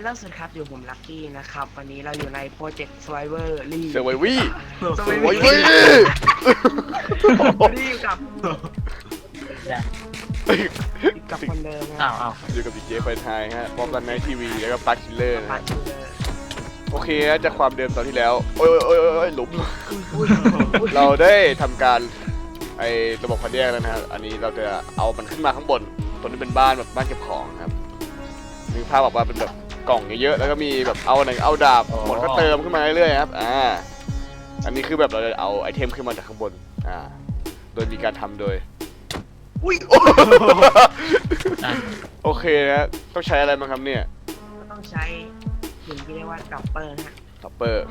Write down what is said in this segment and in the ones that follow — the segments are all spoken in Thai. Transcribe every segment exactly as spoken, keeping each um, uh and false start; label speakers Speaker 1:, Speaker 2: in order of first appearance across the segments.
Speaker 1: ล่าสุดครับอยู่ผมลักกี้นะครับวันนี้เราอยู่ในโปรเจกต์ Survivor รี
Speaker 2: เซอร์ไววี่
Speaker 1: ส
Speaker 2: เซอ
Speaker 1: ว
Speaker 2: ร์ไววี่
Speaker 1: รีกับกับคนเดิม
Speaker 3: อ้าวอ้าว
Speaker 2: อยู่กับดีเจไฟไทยฮะพร้อมกันในทีวีแล้วก็ปาร์คิลเลอร์นะ
Speaker 1: ปั
Speaker 2: ฮะ
Speaker 1: ดชื่อเลย
Speaker 2: โอเคฮะจากความเดิมตอนที่แล้วโอ้ยโอ้ยโอ้ยโอ้ยหลุม
Speaker 1: อุ้ยอุ้ย
Speaker 2: เราได้ทำการไอ้ระบบคัดแยกแล้วนะฮะอันนี้เราจะเอามันขึ้นมาข้างบนตัวนี้เป็นบ้านแบบบ้านเก็บของนะครับนึกภาพบอกว่าเป็นแบบกล่องเยอะๆแล้วก็มีแบบเอาหนังเอาดาบหมดก็เติมขึ้นมาเรื่อยๆครับอ่าอันนี้คือแบบเราจะเอาไอเทมขึ้นมาจากข้างบนอ่าโดยมีการทำโดย
Speaker 1: อุ้ย
Speaker 3: อ่ะ
Speaker 2: โอเคนะต้องใช้อะไรบ้างครับเนี่ย
Speaker 1: ก็ต้องใช้สิ่งที่เรียกว่าดับเบิลฮะ
Speaker 2: ท็อปเปอร์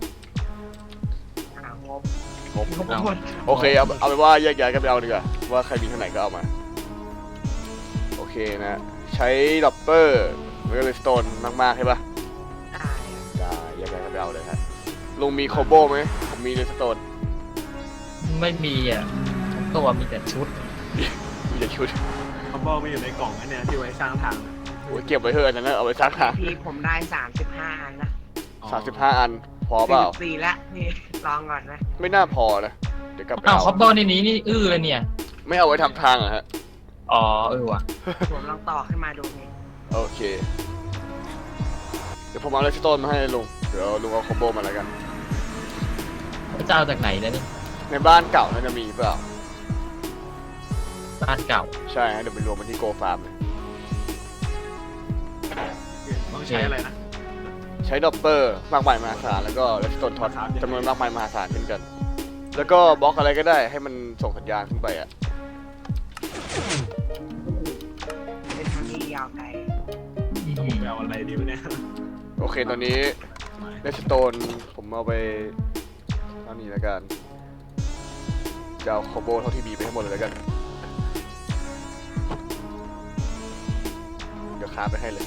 Speaker 1: หางบ
Speaker 2: ผม
Speaker 1: งบหมด
Speaker 2: โอเคเอาเอาไปนว่าแยกย้ายกันไปเอาดีกว่าว่าใครมีเท่าไหร่ก็เอามาโอเคนะใช้ด็อปเปอร์แล้วก็เลยสโตนมากๆใช่ปะ
Speaker 1: ได้
Speaker 2: ได้แยกย้ายกันไปเอาเลยครับลุงมีโคโบไหมผมมีเลยสโตน
Speaker 3: ไม่มีอ่ะทั้งตัวมีแต่ชุด
Speaker 2: มีแต่ชุด
Speaker 4: เขาบอกมาอยู่ในกล่องนั่นเนี่ยที่ไว้สร้างทาง
Speaker 2: โอ้ยเก็บไว้เถอะนั่นนะเอาไว้ซักหา
Speaker 1: พี่ผมได้สามสิบห้าอันนะ
Speaker 2: สามสิบห้าอันพอเปล่า
Speaker 1: สี่ละพี่ลองก่อนนะ
Speaker 2: ไม่น่าพอนะเดี๋ยวกลับไป
Speaker 3: อ้าว
Speaker 2: เอา
Speaker 3: คอปเปอร์ในนี้นี่อื้อเลยเนี่ย
Speaker 2: ไม่เอาไว้ทำทางเหรอะฮะ
Speaker 3: อ๋อเออว่ะ
Speaker 1: ผมลองต่อขึ้นมาดูนี่
Speaker 2: โอเคเดี๋ยวผมเอาเลสโตนมาให้ลุงเดี๋ยวลุงเอาโคโบมาแล้วกัน
Speaker 3: จะเอาจากไหนนะนี่
Speaker 2: ในบ้านเก่าน่าจะมีเปล่า
Speaker 3: บ้านเก่า
Speaker 2: ใช่ฮะเดี๋ยวไปรวมมันที่โกฟาร์มเลย
Speaker 4: ต้องใช้อะไรนะ
Speaker 2: ใช้ดอปเปอร์มากมายมหาศาลแล้วก็เลสโตนท็อตจำนวนมากมายมหาศาลเช่นกัน แล้วก็บล็อกอะไรก็ได้ให้มันส่งสัญญาณขึ้นไปอ่ะ
Speaker 1: เป็นทางที่ยาวไกล
Speaker 3: อื
Speaker 4: ผม
Speaker 3: ม
Speaker 4: ไปเอาอะไรดีวะเนี่ย
Speaker 2: โอเคตอนนี้เลสโตนผมเอาไปเท่านี้แล้วกันจะเอาโคโบเท่าที่มีไปให้หมดเลยแล้วกันเดี๋ยวค้าไปให้เลย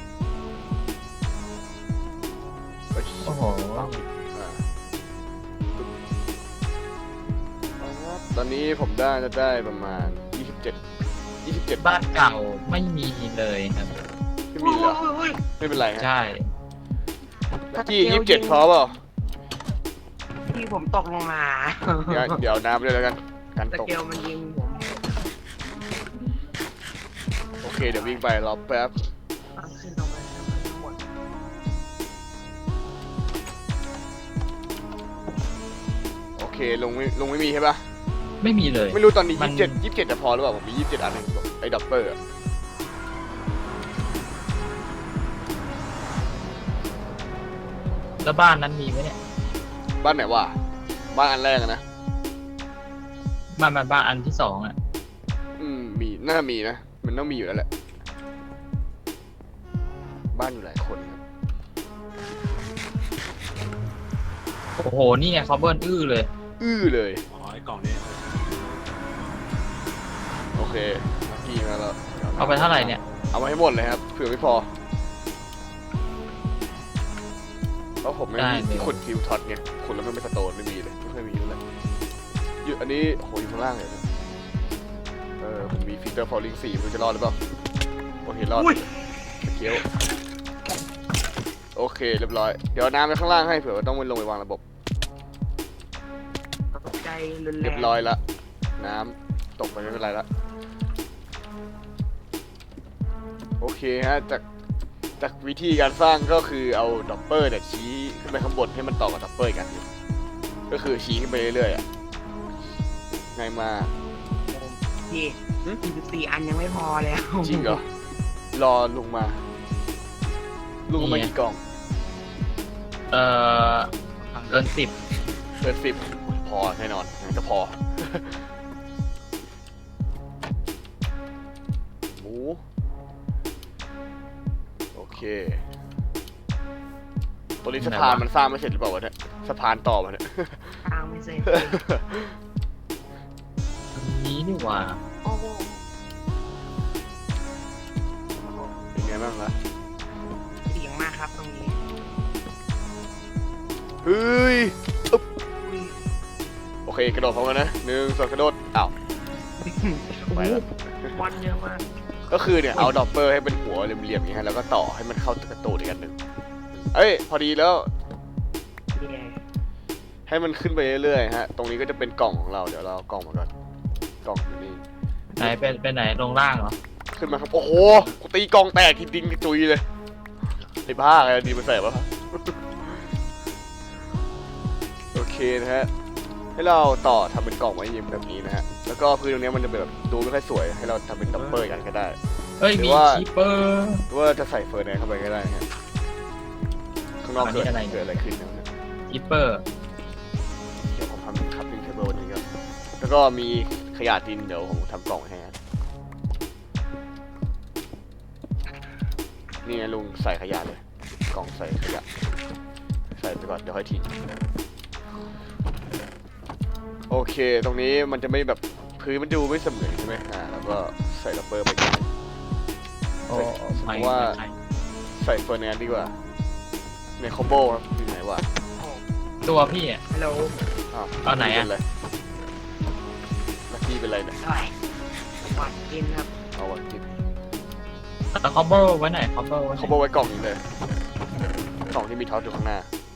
Speaker 2: เฮ้ย
Speaker 3: โอ้โห
Speaker 2: อ่าตอนนี้ผมได้จะได้ประมาณยี่สิบเจ็ด ยี่สิบเจ็ด
Speaker 3: บ้านเก่าไม่มีเลยครับ
Speaker 2: ไม่มีเหรอ
Speaker 1: อุ้ยอุ้ย
Speaker 2: ไม่เป็นไรฮะ
Speaker 3: ใช่
Speaker 2: ที่ยี่สิบเจ็ดพอเปล่า
Speaker 1: พี่ผมตกลงมา
Speaker 2: เดี๋ยวเดี๋ยวน้ำด้วยแล้วกันกัน
Speaker 1: ส
Speaker 2: ตก
Speaker 1: เกลมันยิงผม
Speaker 2: โอเคเดี๋ยววิ่งไปรอแป๊บ
Speaker 1: ตั้งขึ้นตรงนั้นทั้งหมด
Speaker 2: โอเคลงไม่ลงไม่มีใช่ปะ
Speaker 3: ไม่มีเลย
Speaker 2: ไม่รู้ตอนนี้
Speaker 3: มั
Speaker 2: ยี่
Speaker 3: น
Speaker 2: สิบเจ็ด ยี่สิบเจ็ดจะพอหรือเปล่าผมมียี่สิบเจ็ดอันเองไอ้ดับเบิลอะ
Speaker 3: แล้วบ้านนั้นมีไหมเนี่ย
Speaker 2: บ้านไหนวะบ้านอันแรกอะนะ
Speaker 3: บ้านบ้านบ้านอันที่สองอ่ะ
Speaker 2: อืมมีน่ามีนะมันต้องมีอยู่แล้วแหละบ้านอยู่หลายคนครับ
Speaker 3: โอ้โหนี่ไงคอปเปอร์อื้อเลย
Speaker 2: อื้อเลย
Speaker 4: อ๋อไอ้กล่องนี้
Speaker 2: โอเคลักกี้มาแล้ว
Speaker 3: เอาไปเท่าไหร่เนี่ย
Speaker 2: เอามาให้หมดเลยครับเผื่อไม่พอเพราะผมไม่
Speaker 3: ได้
Speaker 2: มี
Speaker 3: เลย
Speaker 2: ที่ขุดฟิวท็อตไงขุดแล้วมันไม่สโตนไม่มีเลยไม่เคยมีเลยอยู่อันนี้โหอยู่ข้างล่างเลยนะเออผมมีฟิลเตอร์ฟอลลิ่งสี่มันจะรอดหรือเปล่าโอเครอด
Speaker 1: อุ้ย
Speaker 2: สเกลโอเคเรียบร้อยเดี๋ยวน้ำไปข้างล่างให้เผื่อว่าต้องไปลงไปวางระบบ
Speaker 1: ตกใจรุนแรง
Speaker 2: เรียบร้อยละน้ำตกไปไม่เป็นไรละโอเคฮะจากจากวิธีการสร้างก็คือเอาด็อปเปอร์เนี่ยชี้ขึ้นไปข้างบนให้มันต่อกับด็อปเปอร์กันอยู่ก็คือชี้ขึ้นไปเรื่อยๆอ่ะง่ายมาก
Speaker 1: พี่
Speaker 2: หึ
Speaker 1: สี่สิบสี่อันยังไม่พอแล้ว
Speaker 2: จริงเหรอรอลุงมาลุงเอามากี่กล่อง
Speaker 3: เอ่อเกินสิบ
Speaker 2: เกินสิบพอแน่นอนงั้นก็พอ หมูโอเคตัวนี้สะพานมันสร้างไม่เสร็จหรือเปล่าวะเนี่ยสะพานต่อมาเนี่ย
Speaker 1: ทางไม่เสร็จ
Speaker 3: นี้นี่หว่า
Speaker 1: โอ้โห
Speaker 2: เป็นไงบ้างล่ะ
Speaker 1: เสียงมากครับตรงนี้
Speaker 2: เฮ้ยอึ๊บ
Speaker 1: อุ้ย
Speaker 2: โอเคกระโดดพร้อมกันนะหนึ่งสองกระโดดอ้าวไปแล้ว
Speaker 1: บอลเยอะมาก
Speaker 2: ก็คือเนี่ยเอาดอปเปอร์ให้เป็นหัวเหลี่ยมๆอย่างนี้ฮะแล้วก็ต่อให้มันเข้ากับตูดอีกอันหนึ่งเอ้ยพอดีแล้ว
Speaker 1: นี่ไง
Speaker 2: ให้มันขึ้นไปเรื่อยๆฮะตรงนี้ก็จะเป็นกล่องของเราเดี๋ยวเราเอากล่องมาก่อนกล่องอยู่นี่
Speaker 3: ไหนเป็นเป็นไหนลงล่างเหรอ
Speaker 2: ขึ้นมาครับโอ้โหกูตีกล่องแตกทีดิงกระจุยเลยไอ้บ้าอะไรดีมาใส่วะ โอเคนะฮะให้เราต่อทำเป็นกล่องไว้ยิ้มแบบนี้นะฮะแล้วก็พื้นตรงนี้มันจะแบบดูไม่ค่อยสวยให้เราทำเป็นดับเบิลกันก็ได้
Speaker 3: เฮ้ย
Speaker 2: หรื
Speaker 3: มี
Speaker 2: อว่า
Speaker 3: คีเปอร์
Speaker 2: หรือว่าจะใส่เฟอร์แนนซ์เข้าไปก็ได้ฮะข้างนอกเกิด
Speaker 3: อันนี้อะไรเนี่ย
Speaker 2: เกิดอะไรขึ้นนะ
Speaker 3: คีเปอร์
Speaker 2: เดี๋ยวผมทำคัพปิ้งเทเบิลนี้ครับแล้วก็มีขยะดินเดี๋ยวผมทำกล่องให้ฮะนี่ไงลุงใส่ขยะเลยกล่องใส่ขยะใส่ไปก่อนเดี๋ยวค่อยทิ้งโอเคตรงนี้มันจะไม่แบบพื้นมันดูไม่เสมอใช่ไหมอ่าแล้วก็ใส่ดับเบิลไปก่อน
Speaker 3: โอ้
Speaker 2: เพ
Speaker 3: ไม่
Speaker 2: ราะว่า
Speaker 3: ใช่
Speaker 2: ใส่เฟอร์แนนซ์ดีกว่าในคอมโบครับอยู่ไหนวะ
Speaker 3: ตัวพี่อ่ะ
Speaker 1: ฮัลโหล
Speaker 2: อ้าว
Speaker 3: เอาไหนอะ
Speaker 2: เป็นไรลักกี้เป็นไรเนี่ย
Speaker 1: ใช่หวัดกินครับ
Speaker 2: เอาวะกิน
Speaker 3: แต่คอมโบไว้ไหนคอมโบไว้ไหน
Speaker 2: คอมโบไว้กล่องนี้เลยกล่องที่มีท็อตอยู่ข้างหน้า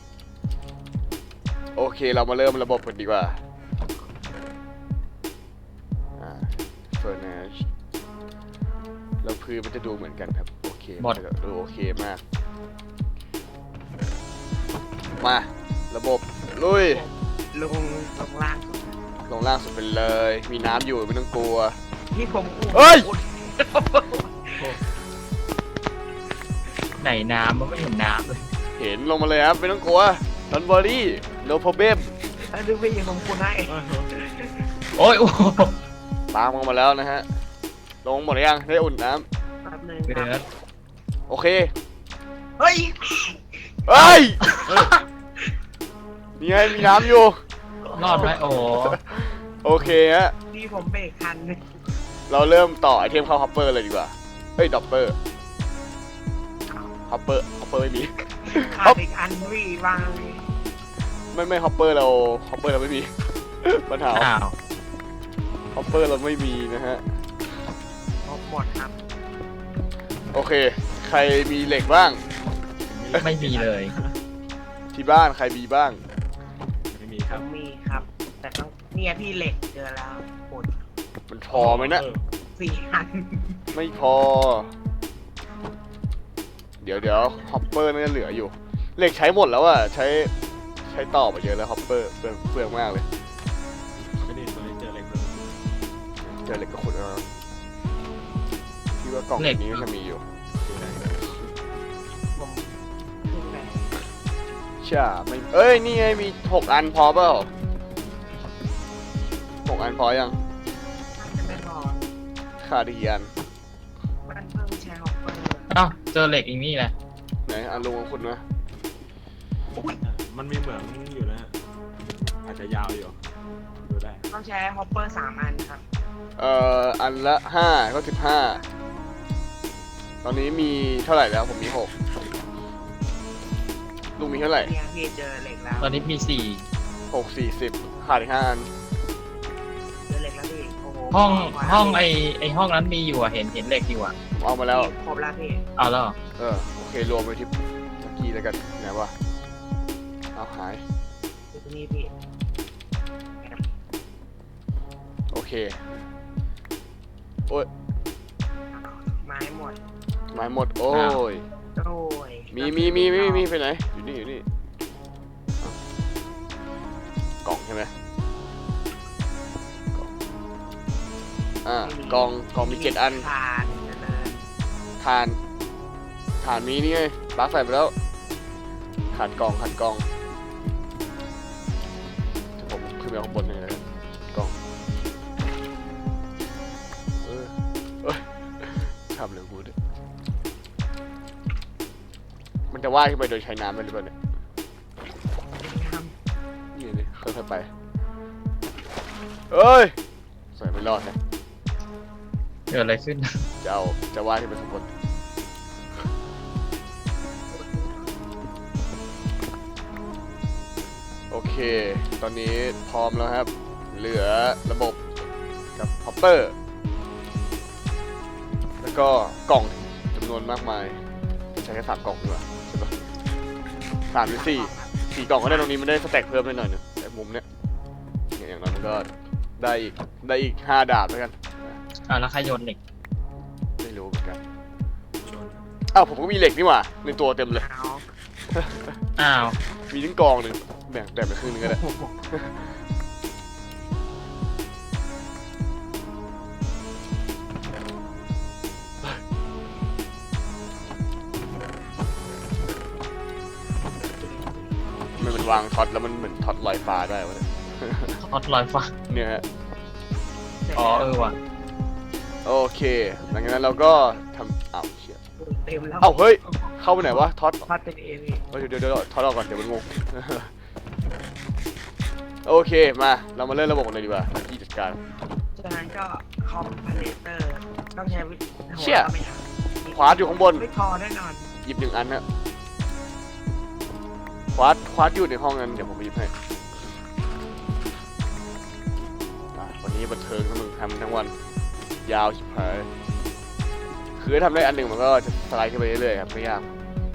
Speaker 2: โอเคเรามาเริ่มระบบกันดีกว่าเฟอร์แนนซ์แล้วพื้นมันจะดูเหมือนกันครับโอเคมันจะดูโอเคมากมาระบบลุย
Speaker 1: ลงลงล่างสุด
Speaker 2: ลงล่างสุดไปเลย มีน้ำอยู่ไม่ต้องกลัว
Speaker 1: ที่ผมอู้
Speaker 2: เฮ้ย
Speaker 3: ไหนน้ำมันไม่เห็นน้ำเลย
Speaker 2: เห็นลงมาเลยครับไม่ต้องกลัวดอนบอดี้โนโปรเบม
Speaker 1: แล้วดูพี่ผมคุณให้
Speaker 3: โอ้ยโอ้โห
Speaker 2: ตามลงมาแล้วนะฮะ ลงหมดหรือยังได้อุ่นน้
Speaker 1: แป๊บนึง
Speaker 3: เดื
Speaker 1: ค
Speaker 3: อ
Speaker 1: รับ
Speaker 3: ด
Speaker 2: ำโอเค
Speaker 1: เฮ้ย
Speaker 2: เฮ้ยนี่ไงมีน้ำอยู่
Speaker 3: รอดไหมโอ้โห
Speaker 2: โอเคฮะ
Speaker 1: พี่ผมเบรกทันเลย
Speaker 2: เราเริ่มต่อไอเทมเข้าฮอปเปอร์เลยดีกว่าเฮ้ยดอปเปอร์ฮอปเปอร์ฮอปเปอร์ไม่มี
Speaker 1: ขาดอีกอันพี่วางเลย
Speaker 2: ไม่ไม่ฮอปเปอร์เราฮอปเปอร์เราไม่มี ปัญหา
Speaker 3: อ้าว
Speaker 2: ฮอปเปอร์เราไม่มีนะฮะ
Speaker 1: หมดหมดครับ
Speaker 2: โอเค ใครมีเหล็กบ้าง
Speaker 3: ไม่มีเลย
Speaker 2: ที่บ้านใครมีบ้าง
Speaker 4: ไม่มีค
Speaker 1: ผ
Speaker 4: รับ
Speaker 1: มมีครับ แต่ต้องเนี่ยพี่เหล็กเจอแล้วปวด
Speaker 2: มันพอไหมนะ
Speaker 4: เออ
Speaker 1: สี่อัน
Speaker 2: ไม่พอ เดี๋ยวเดี๋ยวฮอปเปอร์น่าจะเหลืออยู่ เหล็กใช้หมดแล้วอะใช้ใช้ต่อมาเยอะแล้วฮอปเปอร์เปลืองเปลืองมากเลย
Speaker 4: ไม่ได้ตัวนี้เจอเหล็กเลย
Speaker 2: เจอเหล็กก็ขุดเอาพี่ว่ากล่องนี้น่าจะมีอยู่
Speaker 4: ดูได้
Speaker 1: ผมขึ้นไป
Speaker 2: ใช่ไม่เอ้ยนี่ไงมีหกอันพอเปล่าหกอันพอยัง
Speaker 1: น่าจะไม่พอ
Speaker 2: ขาดอีกกี่อัน
Speaker 1: มันเพิ่งใช้ฮอปเปอร์
Speaker 3: เอ้าเจอเหล็กอีกนี่แหละ
Speaker 2: ไหนอันลุงของคุณนะ
Speaker 1: อุ้ย
Speaker 4: มันมีเหมืองอยู่นะฮะอาจจะยาวอยู่ดูได้
Speaker 1: ต้องใช้ฮอปเปอร์สามอันครับ
Speaker 2: เอ่ออันละห้าก็สิบห้าตอนนี้มีเท่าไหร่แล้วผมมีหกลุงมีเท่าไหร่
Speaker 1: เนี่ยพี่เจอเหล็กแล้ว
Speaker 3: ตอนนี้มีสี่
Speaker 2: หกสี่สิบขาดอีกห้าอัน
Speaker 1: เจอเหล็กแล้วพี่โอ้โห
Speaker 3: ห้อง
Speaker 1: ขวา
Speaker 3: ห้องไอไอห้องนั้นมีอยู่อะเห็นเห็นเหล็กอยู่อะ
Speaker 2: ผมเอามาแล้ว
Speaker 1: พี่ครบแล้วพี่
Speaker 3: เอาแล้วเหรอ
Speaker 2: เออโอเครวมไปที่เมื่อกี้แล้วกันไหนวะเอาหาย
Speaker 1: อยู่ตรงนี้พี่
Speaker 2: โอเคโอ้ย
Speaker 1: ไม้หมด
Speaker 2: ไม้หมดโอ้ย
Speaker 1: โอ้ย
Speaker 2: มีมีมีมีมีไปไหนอยู่นี่อยู่นี่อ่ะกล่องใช่ไหมกล่องอ่ากล่องกล่องมีเจ็ดอัน
Speaker 1: ทานเดิน
Speaker 2: ฐานฐานมีนี่ไงปลั๊กใส่ไปแล้วขาดกล่องขาดกล่องเดี๋ยวผมขึ้นไปข้างบนเลยนะครับกล่องเออเอ้ยทำเลยกูดิมันจะว่ายขึ้นไปโดยใช้น้ำได้หรือเปล่าเนี่ย
Speaker 1: ท
Speaker 2: นี่นี่ค่อยๆไปเอ้ยใส่ไม่รอดนะ
Speaker 3: เกิดอะไรขึ้น
Speaker 2: จะเอาจะว่ายขึ้นไปข้างบนโอเค ตอนนี้พร้อมแล้วครับ เหลือระบบกับฮอปเปอร์แล้วก็กล่องจำนวนมากมายใช้แค่สามกล่องดีกว่าใช่ปะสามหรือสี่สี่กล่องก็ได้ตรงนี้มันได้สแต็กเพิ่มได้หน่อยนึงแต่มุมเนี้ยเนี่ยอย่างน้อยมันก็ได้อีกได้อีกห้าดาบแล้วกัน
Speaker 3: อ่าแล้วใครโยนเหล็ก
Speaker 2: ไม่รู้เหมือนกันอ้าวผมก็มีเหล็กนี่หว่าในตัวเต็มเลย
Speaker 1: เอา
Speaker 3: อ้าว
Speaker 2: มีทั้งกองหนึ่งแบ่งแบ่งไปครึ่งหนึงก็ได้ มันมันวางท็อตแล้วมันเหมือนท็อตลอยฟ้าได้วะเนี่ย
Speaker 3: ทอดลอยฟ้า
Speaker 2: เนี่ยฮะ
Speaker 3: อ๋อเออว่ะ
Speaker 2: โอเคหลังจากนั้นเราก็ทำอ้าวเชี่ย
Speaker 1: เต็มแล้ว
Speaker 2: เอ้าเฮ้ยเข้าไปไหนวะท็อต
Speaker 1: พัดเป็นเอวี
Speaker 2: เฮ้ยเดี๋ยวเดี๋ยวเดี๋ยวท็อตออกก่อนเดี๋ยวมันงง โอเคมาเรามาเริ่มระบบกันเลยดีกว่าที่จัดการ
Speaker 1: จากนั้นก็คอมพาเลเตอร์ต้องใช้วิธี
Speaker 2: เชี่ย
Speaker 1: ไม่ทัน
Speaker 2: ขวาอยู่ข้างบน
Speaker 1: ไม่พอแน่นอน
Speaker 2: หยิบหนึ่งอันนะควาดควาดอยู่ในห้องนั้นเดี๋ยวผมไปหยิบให้อ่ะวันนี้บันเทิงทั้งมึงทำทั้งวันยาวชิบหายคือถ้าทำได้อันหนึ่งมันก็จะสไลด์ขึ้นไปเรื่อยๆครับไม่ยาก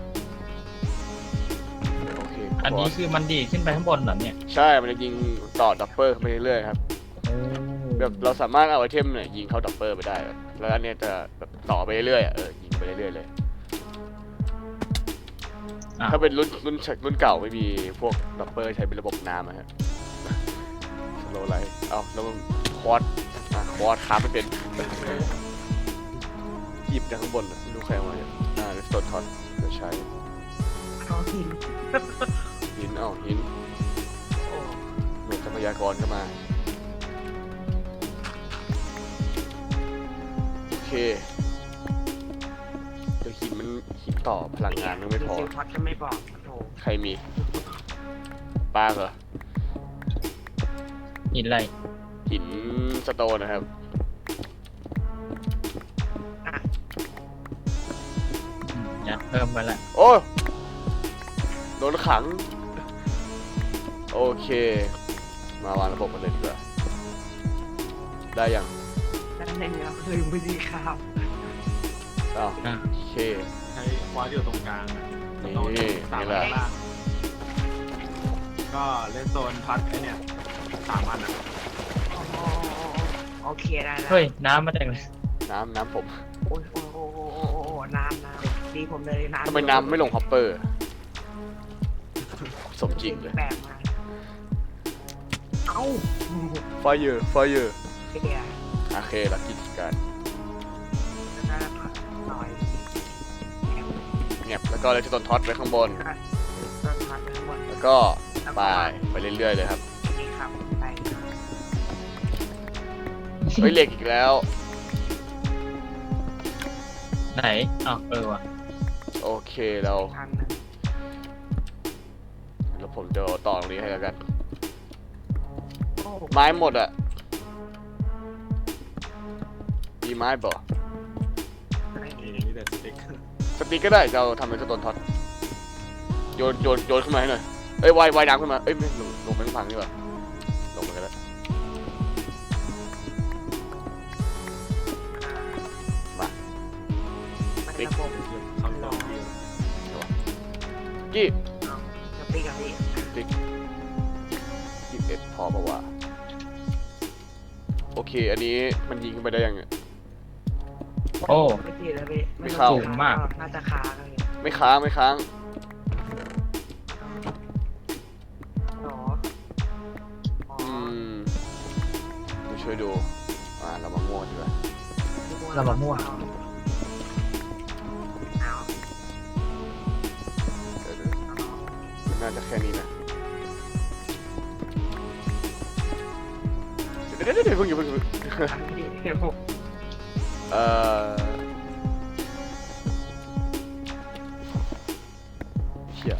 Speaker 2: โอเค
Speaker 3: อันนี้คือมันดีดขึ้นไปข้างบนเหรอเนี่ย
Speaker 2: ใช่มันจะยิงต่อดับเบิลขึ้นไปเรื่อยๆครับแบบเราสามารถเอาไอเทมเนี่ยยิงเข้าดับเบิลไปได้ครับแล้วอันเนี้ยจะแบบต่อไปเรื่อยๆอ่ะเออยิงไปเรื่อยๆเลย
Speaker 3: อ่ะ
Speaker 2: ถ้าเป็นรุ่นรุ่นรุ่นเก่าไม่มีพวกดับเบิลใช้เป็นระบบน้ำอะฮะสโลไลท์เอ้าแล้วมันคอร์สอ่ะคอร์สค้าไม่เป็นหยิบจากข้างบนอะไม่รู้ใครเอามาเนี่ยอ่าเลสโตทอนเดี๋ยวใช้
Speaker 1: เอาหิน
Speaker 2: หินเอ้าหิน
Speaker 1: โอ้
Speaker 2: เมทรัพยากรก็มาโอเคเดี๋ยวหินมันหินต่อพลังงานมันไม่พอ
Speaker 1: ซิลพัดก็ไม่บอกโถ
Speaker 2: ใครมีปลาเหรอ
Speaker 3: หินอะไร
Speaker 2: หินสโตนนะครับ
Speaker 1: อ่ะ
Speaker 3: อืมยัดเพิ่มไปละ
Speaker 2: โอ้โดนขัง โอเค มาวางระบบกันเลยดีกว่า ได้ยัง
Speaker 1: ด้านในนี้เราลืมวิธีข่าว
Speaker 2: อ้าว
Speaker 3: อ่ะ
Speaker 2: โอเค
Speaker 4: ใช้ควาดอยู่ตรงกลางอะ
Speaker 2: นี่
Speaker 4: โซนสาม
Speaker 2: นี่แห
Speaker 4: อั
Speaker 2: ละ
Speaker 4: นล่างก็เล่นโซนพัดไอเนี่ยสามอันอ่ะ
Speaker 1: โอ้โหโอเคได้แล้ว
Speaker 3: เฮ้ยน้ำมาจากไหน
Speaker 2: น้ำน้ำผม
Speaker 1: โอ้ยโอ้โหโอ้โหโอ้โหโอ้โหน้ำน้ำดีผมเลยน้ำ
Speaker 2: ทำไมน้ำไม่ลงฮอปเปอร์ สมจริงเลย
Speaker 1: แปลกมากเอ้า
Speaker 2: ไฟเยอร์ไฟเยอร์
Speaker 1: เฮีย
Speaker 2: โอเคลักกิจการ
Speaker 1: แล้วก็ผัดหน่อย
Speaker 2: เงียบแล้วก็เลยที่ต้นท็อตไว้ข้างบน
Speaker 1: ก็ต้นพัดทั้งหมด
Speaker 2: แล้วก็ไปไปเรื่อยๆเลยครับ
Speaker 1: นี่ครับไป
Speaker 2: เฮ้ยเหล็กอีกแล้ว
Speaker 3: ไหนอ้าวเออว่ะ
Speaker 2: โอเคเรา
Speaker 1: ทางนึง
Speaker 2: แล้วผมจะต่อตรงนี้ให้แล้วกัน
Speaker 1: โอ้
Speaker 2: ไม้หมดอ่ะ มีไม้บ่
Speaker 1: ไม่
Speaker 4: มี
Speaker 1: มี
Speaker 4: มีแต่สติ๊ก
Speaker 2: สติ๊กก็ได้จะเอาทำเป็นสโตนท็อตโยนโยนโยนขึ้นมาให้หน่อย เอ้ยว่ายว่ายน้ำขึ้นมา เอ้ยไม่ลงลงไปข้างฝั่งดีกว่าลงไปกันแล้วมา
Speaker 1: มันระบบ
Speaker 4: คำตอบที่
Speaker 2: กี้
Speaker 1: เอาจะปีกับพี่
Speaker 2: ติ๊กยี่สิบเอ็ดพอปะวะโอเค อันนี้มันยิงขึ้นไปได้ยังเนี่ย
Speaker 3: โอ้
Speaker 1: ไม่ตีเลยพี่
Speaker 2: ไม่เข้า
Speaker 3: สูงมาก
Speaker 1: น่าจะค้างเลย
Speaker 2: ไม่ค้างไม่ค้าง
Speaker 1: หรออ๋อ
Speaker 2: อืมเดี๋ยวช่วยดู อ่าเรามามั่วดีกว่า
Speaker 3: เรามามั่ว
Speaker 1: เอา
Speaker 2: เดี๋ยวๆมันน่าจะแค่นี้นะ เดี๋ยวเดี๋ยวเดี๋ยวเพิ่งอยู่าเพิ่งอย่าเพิ่ง
Speaker 1: เอาพี่เดี๋ยวผม
Speaker 2: เอ่อเชี่ย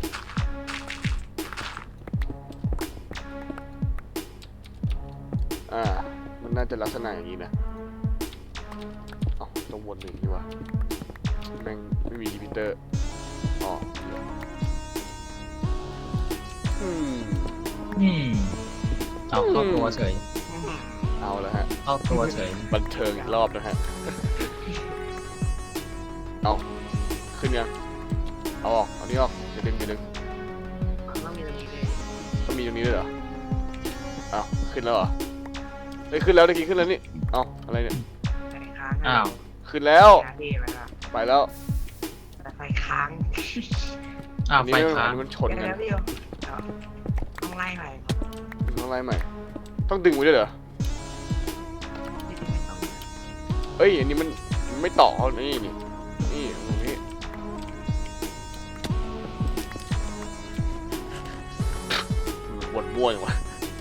Speaker 2: อ่า มันน่าจะลักษณะอย่างนี้นะเอ้าต้องวนหนึ่งดีกว่าแม่งไม่มีรีพิเตอร์อ๋อเหี้ยอืม
Speaker 3: อืมเอาเข้าตัวเฉย
Speaker 2: เอาแล้วฮะ
Speaker 3: เข้าตัวเฉย
Speaker 2: บันเทิงอีกรอบนะฮะเอาขึ้นยังเอาออกเอานี่ออกอย่าดึงอย่าดึง
Speaker 1: มันต้องมีตรงนี้ด้วย
Speaker 2: ต้องมีตรงนี้ด้วยเหรอเอาขึ้นแล้วเหรอเฮ้ยขึ้นแล้วตะกี้ขึ้นแล้วนี่เอาอะไรเนี่ย
Speaker 1: ไฟค้าง
Speaker 3: อ้าว
Speaker 2: ขึ้นแล้ว
Speaker 1: นะพี่ไปละ
Speaker 2: ไปแล้ว
Speaker 1: แต่ไฟค้าง
Speaker 3: อ้าว
Speaker 2: อัน
Speaker 3: ไฟ
Speaker 2: นี้มัน
Speaker 3: ค้า
Speaker 2: อัน
Speaker 3: ง
Speaker 2: นี้มันชน
Speaker 1: เดี๋ยว
Speaker 2: กัน
Speaker 1: นะพี่เอาต้องไล่ไป
Speaker 2: ต้องไล่ใหม่ต้องดึงไว้ด้วยเหรอ
Speaker 1: ไม่ต้อง
Speaker 2: เอ้ยอันนี้มันมันไม่ต่อนี่นี่นี่ตรงนี้มันวนมั่วอย่างวะ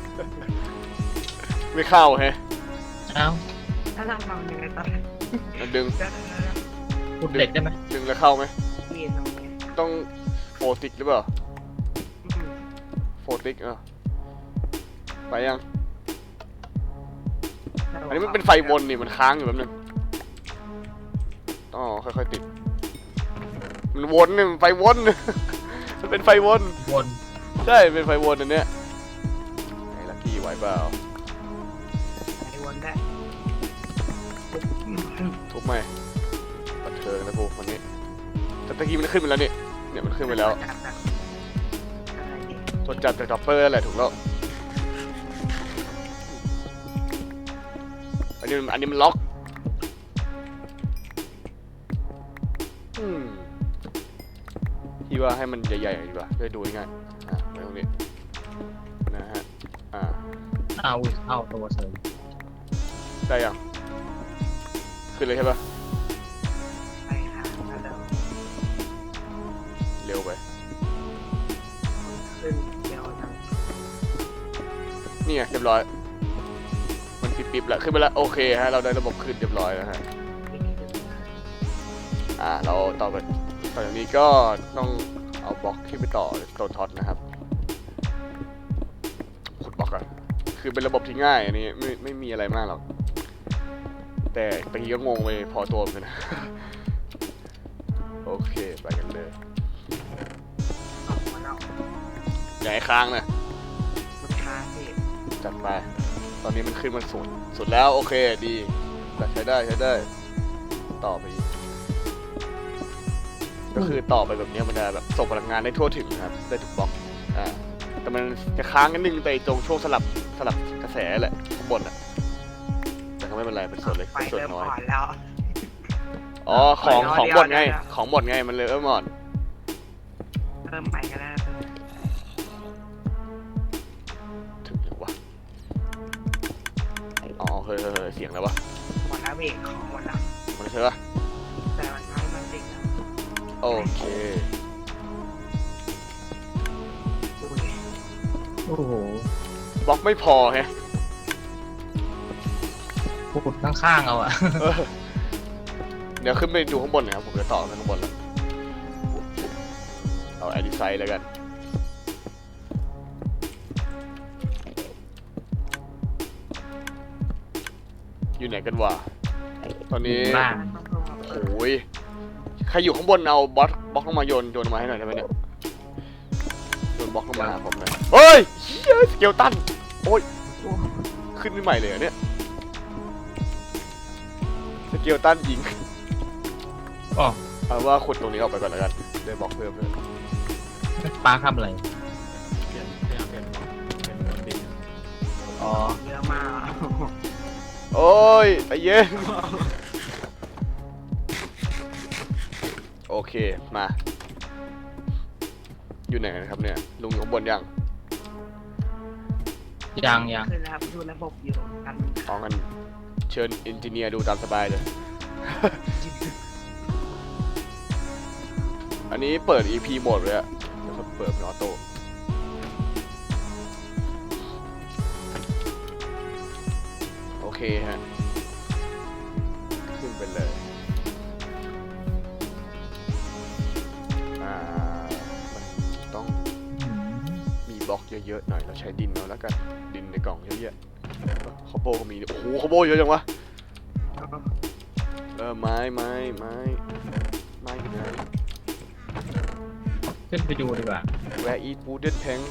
Speaker 2: ไม่เข้าแฮะ
Speaker 3: อ้าว
Speaker 1: ถ้าทำทำยังไงต่อ
Speaker 2: มันดึง
Speaker 1: เดี๋ยว
Speaker 3: ขุดเหล็กได้ไหม
Speaker 2: ดึงแล้วเข้าไหม
Speaker 1: ๆมีตรงนี้
Speaker 2: ต้องโฟติกหรือเปล่า
Speaker 1: อืม
Speaker 2: โฟติกอ่ะไปยังอันนี้มันเป็นไฟวนนี่มันค้างอยู่แป๊บนึงต้องค่อยๆติดมันวนเนี่ยมันไฟวน มันเป็นไฟวน
Speaker 3: วน
Speaker 2: ใช่เป็นไฟวนอันเนี้ยไอ้ลักกี้ไหวเปล่า
Speaker 1: ไฟวนได้
Speaker 2: ทุบไหมปัดเทิงนะพวกคนนี้แต่ตะกี้มันขึ้นไปแล้วนี่เนี่ยมันขึ้นไปแล้ว
Speaker 1: จับจากอะไรนี่
Speaker 2: ตรวจจับจากด็อปเปอร์นั่นแหละถูกแล้วอันนี้มันอันนี้มันล็อกอืมพี่ว่าให้มันใหญ่ๆดีกว่าจะได้ดูง่ายๆอ่ะไว้ตรงนี้นะฮะอ่า
Speaker 3: อ้าวอุ้ยเข้าตัวเสริม
Speaker 2: ได้ยังขึ้นเลยใช่ปะ
Speaker 1: ไฟค้างแล้วเดี๋ยว
Speaker 2: เร็วไป
Speaker 1: ขึ้นเดี๋ยวนะ
Speaker 2: นี่ไงเรียบร้อยมันปิบๆแล้วขึ้นไปแล้วโอเคฮะเราได้ระบบขึ้นเรียบร้อยแล้วฮะอ่าเราต่อไปต่อจากนี้ก็ต้องเอาบล็อกขึ้นไปต่อโซนท็อตนะครับขุดบล็อกอะคือเป็นระบบที่ง่ายอันนี้ไม่ไม่มีอะไรมากหรอกแต่ตะกี้ก็งงไปพอตัวเหมือนกันนะ โอเคไปกันเลย
Speaker 1: ออกมาแล้ว
Speaker 2: อย่าให้ค้างนะ
Speaker 1: มันค้างพี่
Speaker 2: จัดไปตอนนี้มันขึ้นมันสุดสุดแล้วโอเคดีแต่ใช้ได้ใช้ได้ต่อไปอีกก็คือต่อไปแบบนี้มันจะแบบส่งพลังงานได้ทั่วถึงนะครับได้ทุกบล็อกอ่าแต่มันจะค้างกันนึงแต่ตรงช่วงสลับสลับกระแสแหละข้างบนอ่ะแต่ก็ไม่เป็นไรเป็นส่วนเล็ก
Speaker 1: ไฟ
Speaker 2: เป็นส่วน
Speaker 1: เริ่ม
Speaker 2: น้อย
Speaker 1: อ่อนแล้ว
Speaker 2: อ๋อของ
Speaker 1: ปล่อย
Speaker 2: ของ
Speaker 1: เดียว
Speaker 2: หมดไง
Speaker 1: เดี๋ยว
Speaker 2: ของหมดไงมันเลยเออหมด
Speaker 1: เริ่มไปกันแล้ว
Speaker 2: ถึงหรือวะอ๋อเฮ้ยเฮ้ยเฮ้ยเสียงแล้ววะ
Speaker 1: หมดแล้วเบรกของหมดแล้ว
Speaker 2: มันเชื่อ
Speaker 1: แต่มันทั้งมันติดแล้ว
Speaker 2: โอเค
Speaker 1: อุ้ย
Speaker 3: โอ้โห
Speaker 2: บล็อกไม่พอแฮะ
Speaker 3: ขุดข้างๆเอาอะ
Speaker 2: เออเดี๋ยวขึ้นไปดูข้างบนหน่อยครับผมจะต่อไปข้างบนแล้วเอาแอดิไซด์แล้วกันอยู่ไหนกันวะตอนนี้
Speaker 3: บ้าน
Speaker 2: โอ้ยใครอยู่ข้างบนเอาบล็อกบล็อกลงมาโยนโยนมาให้หน่อยได้ไหมเนี่ยโยนบล็อกลงมาหาผมหน่อยเฮ้ยเฮ้ยสเกลตันโอ้ยขึ้นใหม่เลยเหรอเนี่ยสเกลตันยิง
Speaker 3: อ๋อ
Speaker 2: เอาว่าขุดตรงนี้ออกไปก่อนแล้วกันได้บล็อกเพิ่มเลย
Speaker 3: ปาร์คทำอะไร
Speaker 4: เปลี่ยนพยายามเปลี่ยนเป็นบนดิน
Speaker 3: อ๋อ
Speaker 1: เยอะมาก
Speaker 2: โอ้ยใจเย็นโอเคมาอยู่ไหนกันครับเนี่ยลุงอยู่ข้างบนยัง
Speaker 3: ยังยัง
Speaker 1: คือแล้วดูระบบอยู่กัน
Speaker 2: อ๋องั้นเชิญอินจิเนียร์ดูตามสบายเลย อันนี้เปิด อี พี โหมดเลยอะเดี๋ยวเขาเปิดเป็นออโต้โอเคฮะขึ้นไปเลยอ่ามันต้อง
Speaker 3: อืม
Speaker 2: มีบล็อกเยอะๆหน่อยเราใช้ดินเอาแล้วกันดินในกล่องเยอะแยะคอโบก็มีโอ้โหคอโบเยอะจังวะเออไม้ไม้ไม้ไม้อยู่ไหน
Speaker 3: ขึ้นไปดูดีกว่า
Speaker 2: Where eat wooden plank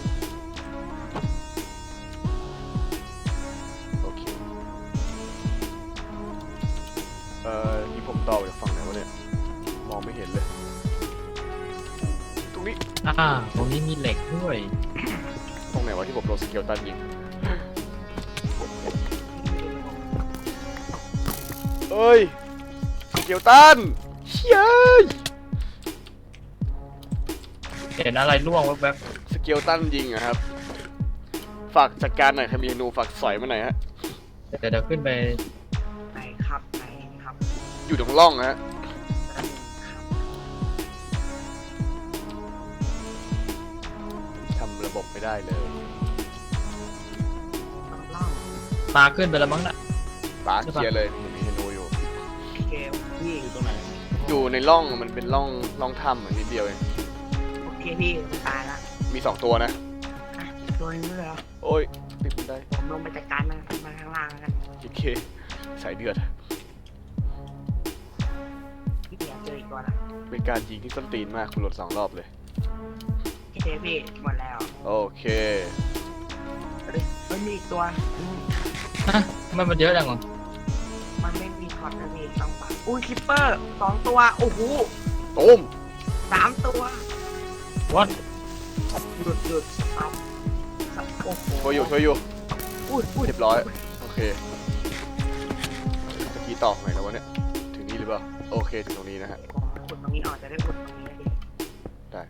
Speaker 2: โอเคเอ่อที่ผมต่อจากฝั่งไหนวะเนี่ยมององไม่เห็นเลย ตรงนี้
Speaker 3: อ่าตรงนี้มีเหล็กด้วย
Speaker 2: ตรงไหนวะที่ผมโดนสเกลตันยิงเอ้ยสเกลตันเฮ้ย
Speaker 3: เห็นอะไรร่วงแวบ
Speaker 2: สเกลตันยิงอะครับ ฝากจัดการหน่อยใครมีธนูฝากสอยมาหน่อยฮะ
Speaker 3: ๆเดี๋ยวเดี๋ยวขึ้นไป
Speaker 1: ไหนครับไหนครับ
Speaker 2: อยู่ตรงร่องฮะ ทำระบบไม่ได้เลย
Speaker 1: ต้องล่อง
Speaker 3: ปลาขึ้นไปแล้วมั้งน่ะ
Speaker 2: ปาเคลียร์เลยมีธนูอยู่
Speaker 1: เกมพี่
Speaker 4: อยู่ตรงไหน
Speaker 2: อยู่ในร่องมันเป็นร่องร่องถ้ำเหมือนนิดเดียวเอง
Speaker 1: โอเคพี่มันตายละ
Speaker 2: มีสองตัวนะ
Speaker 1: อ่ะตัวนี้เลยเหรอ
Speaker 2: โอ้ยติดมันได้
Speaker 1: ผมลงไปจัดการมันมาข้างล่างกัน
Speaker 2: โอเคสายเดือด
Speaker 1: พี่เดี๋ยวเจออีกตัวละ
Speaker 2: เป็นการยิงที่ส้นตีนมากคุณหลดสองรอบเลย
Speaker 1: โอเคพี่หมดแล้ว
Speaker 2: โอเค
Speaker 1: เฮ้ยมันมีอีกตัวอืม
Speaker 3: ฮะทำไมมันเยอะจังวะ
Speaker 1: มันไม่มีท็อตนะพี่ต้องปัดอุ้ยคิปเปอร์สองตัวโอ้โห
Speaker 2: ตุ้ม
Speaker 1: สามตัว
Speaker 3: วัด
Speaker 1: หยุดหยุดเอาสับโอ้โห
Speaker 2: ช่วยอยู่ช่วยอยู่
Speaker 1: อุ้ยอุ้ย
Speaker 2: เรียบร้อย โอเคตะกี้ต่อไหนแล้ววะเนี่ยถึงนี้หรือเปล่าโอเคถึงตรงนี้นะฮะ
Speaker 1: ขุดตรงนี้ออกจะได้ขุดตรงนี้ดิ
Speaker 2: ได้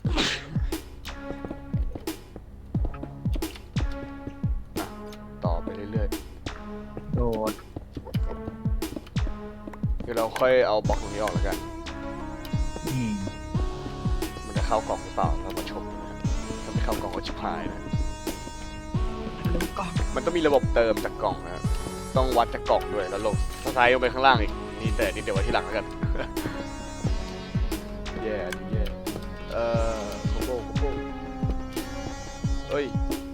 Speaker 2: อ่ะต่อไปเรื่อย
Speaker 3: โดด
Speaker 2: ๆเดี๋ยวเราค่อยเอาบล็อกตรงนี้ออกแล้วกัน
Speaker 3: อืม
Speaker 2: มันจะเข้ากล่องหรือเปล่าเรามาชมกันนะถ้าไม่เข้ากล่องก็ชิบหายนะ
Speaker 1: ลืมกล่อง
Speaker 2: มันต้องมีระบบเติมจากกล่องนะครับต้องวัดจากกล่องด้วยแล้วลงสไลด์ลงไปข้างล่างอีกนี่แต่นี่เดี๋ยวไว้ที่หลังแล้วกัน แย่ดิแย่เอ่อโคโบโคโบเอ้ย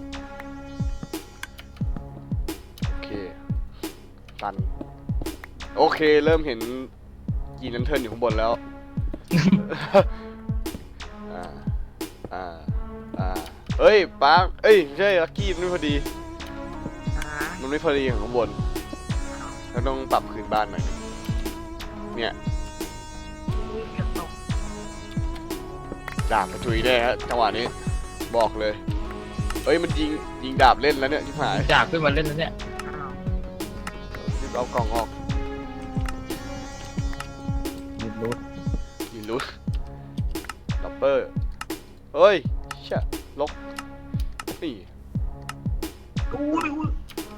Speaker 2: โอเคตันโอเคเริ่มเห็นยีนันเทิร์นอยู่ข้างบนแล้ว อ่าอ่าอ่าเอ้ยปาร์คเอ้ยไม่ใช่ลักกี้มันไม่พอดี
Speaker 1: อ่า
Speaker 2: มันไม่พอดีของข้างบนเราต้องปรับคืนบ้านหน่อยนึงเนี่ย
Speaker 1: อุ้ยเกือบตก
Speaker 2: ดาบกระจุยแน่ฮะจังหวะนี้บอกเลยเอ้ยมันยิงยิงดาบเล่นแล้วเนี่ยชิบหาย
Speaker 3: จากขึ้นมาเล่นแล้วเนี่ย
Speaker 1: อ้าว
Speaker 2: รีบเอากล่องออก
Speaker 3: หยุดรูด
Speaker 2: ยิงลุดดับเปอร์เฮ้ยเชี่ยลกนี่
Speaker 1: อุ้ยอุ้ย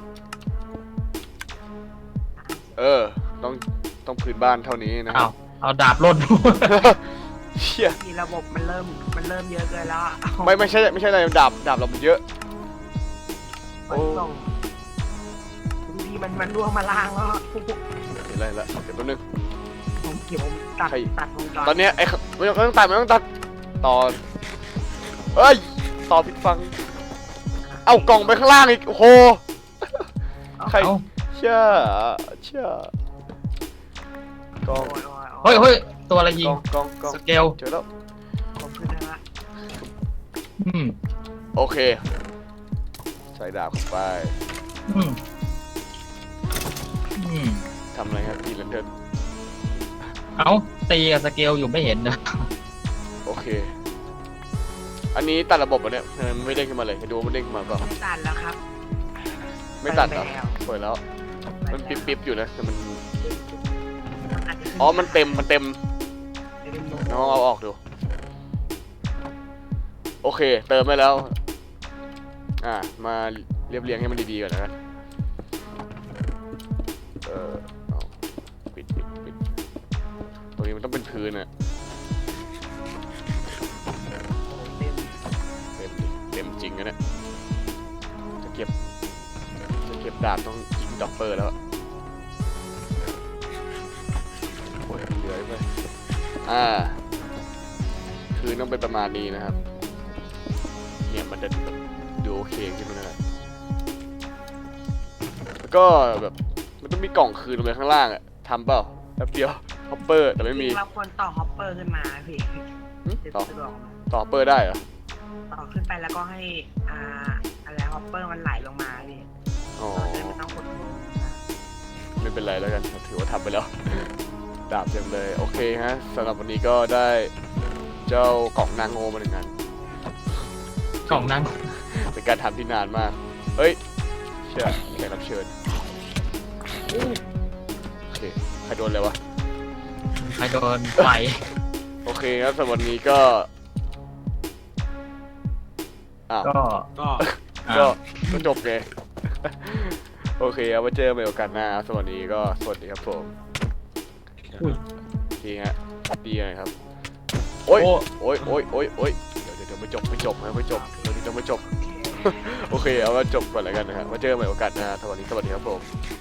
Speaker 2: เออต้องต้องพื้นบ้านเท่านี้นะค
Speaker 3: เอา
Speaker 2: รับ
Speaker 3: เอาดาบล่น
Speaker 2: เชี่ย
Speaker 1: ที่ระบบมันเริ่มมันเริ่มเยอะเกินแล้วอะ
Speaker 2: ไม่ไม่ใช่ไม่ใช่อะไรดาบดาบเรามันเยอะ
Speaker 1: มันส่งบางทีมันมันร่วงมาล่างแล้วอะ
Speaker 2: เห็นอะไรละเดี๋ยวแป๊บนึง
Speaker 1: ผมเกี่ยวผมตัด
Speaker 2: ใคร
Speaker 1: ตัดวงจร
Speaker 2: ตอนเนี้ยไอ้ขไม่ต้องไม่ต้องตัดไม่ต้องตัดต่อเอ้ยต่อผิดฟังเอากล่องไปข้างล่างอีกโอ้โหใคร
Speaker 3: เอา
Speaker 2: เชื่อเชื่อ กอง
Speaker 1: โอ้ยโอ้ยโอ้
Speaker 3: เฮ้ยเฮ้ยตัวอะไรยิ
Speaker 2: ก
Speaker 3: ง
Speaker 2: องกองกอง
Speaker 3: สเกล
Speaker 2: เจอแล้ว
Speaker 1: ผมขึ้นแล้วละ
Speaker 3: อืม
Speaker 2: โอเค ใส่ดาบเข้าไป
Speaker 3: อืมอืม
Speaker 2: ทำอะไรครับพี่เลนเทิร์น
Speaker 3: เอาตีกับสเกลอยู่ไม่เห็นนะ
Speaker 2: โอเค อันนี้ตัดระบบอ่ะเนี่ยทำไมมันไม่เด้งขึ้นมาเลยให้ดูว่ามันเด้งขึ้นมาเปล่า
Speaker 1: ไม่ตัดแล้วครับ
Speaker 2: ไม่ตัดเหรอ
Speaker 1: ไปแล้ว
Speaker 2: เปิดแล้วมันปิ๊บปิ๊บอยู่นะแต่มัน
Speaker 1: มันอาจจะขึ้
Speaker 2: อ๋อมันเต็มมันเต็ม
Speaker 1: เต็มลง
Speaker 2: น้องเอาออกดูโอเคเติมไปแล้วอ่ามาเรียบเรียงให้มันดีๆก่อนนะครับเออเอาปิดปิดปิดตรงนี้มันต้องเป็นพื้นอะ
Speaker 1: เต็ม
Speaker 2: เต็มดิเต็มจริงนะเนี่ยจะเก็บจะเก็บดาบต้องยิงด็อกเปอร์แล้วอะโอ้ยเหลือไปอ่าคือต้องเป็นประมาณนี้นะครับเนี่ยมันจะแบบดูโอเคขึ้นมาหน่อยแล้วก็แบบมันต้องมีกล่องคืนลงไปข้างล่างอะทำเปล่าแป๊บเดียวฮอปเปอร์แต่ไม่มี
Speaker 1: เราควรต่อฮอปเปอร์ขึ้นมาพี่
Speaker 2: หึ
Speaker 1: จะ
Speaker 2: ต่อ
Speaker 1: สะดวก
Speaker 2: ต่อฮอปเปอร์ได้เหรอ
Speaker 1: ต่อขึ้นไปแล้วก็ให้อ่าอะไรฮอปเปอร์มันไหลลงมาพี่
Speaker 2: อ๋อ
Speaker 1: เราจะได้ไม่ต้องกดลงนะ
Speaker 2: ไม่เป็นไรแล้วกันถือว่าทำไปแล้วดาบเต็มเลยโอเคฮะสำหรับวันนี้ก็ได้เจ้ากล่องนางโงมาหนึ่งอัน
Speaker 3: กล่องนั่ง
Speaker 2: เป็นการทำที่นานมากเฮ้ยเชื่อแขกรับเชิญโอเคใครโดนเลยวะ
Speaker 3: ใครโดนไฟ
Speaker 2: โอเคครับสำหรับวันนี้ก็อ้าว
Speaker 3: ก็
Speaker 4: ก็
Speaker 2: ก็ก็จบเลย โอเคเอาไว้เจอกันใหม่โอกาสหน้าสวัสดีก็สวัสดีครับผม
Speaker 3: อุ้ย
Speaker 2: ดีฮะดีเลยครับโอ้ย
Speaker 3: โอ้
Speaker 2: โอ้ยโอ้ยโอ้ยโอ้ยเดี๋ยวเดี๋ยวเดี๋ยวไม่จบไม่จบนะไม่จบเดี๋ยวนี้จะไม่จบ โอเคเอาไว้จบก่อนแล้วกันนะฮะมาเจอกันใหม่โอกาสหน้าสวัสดีสวัสดีครับผม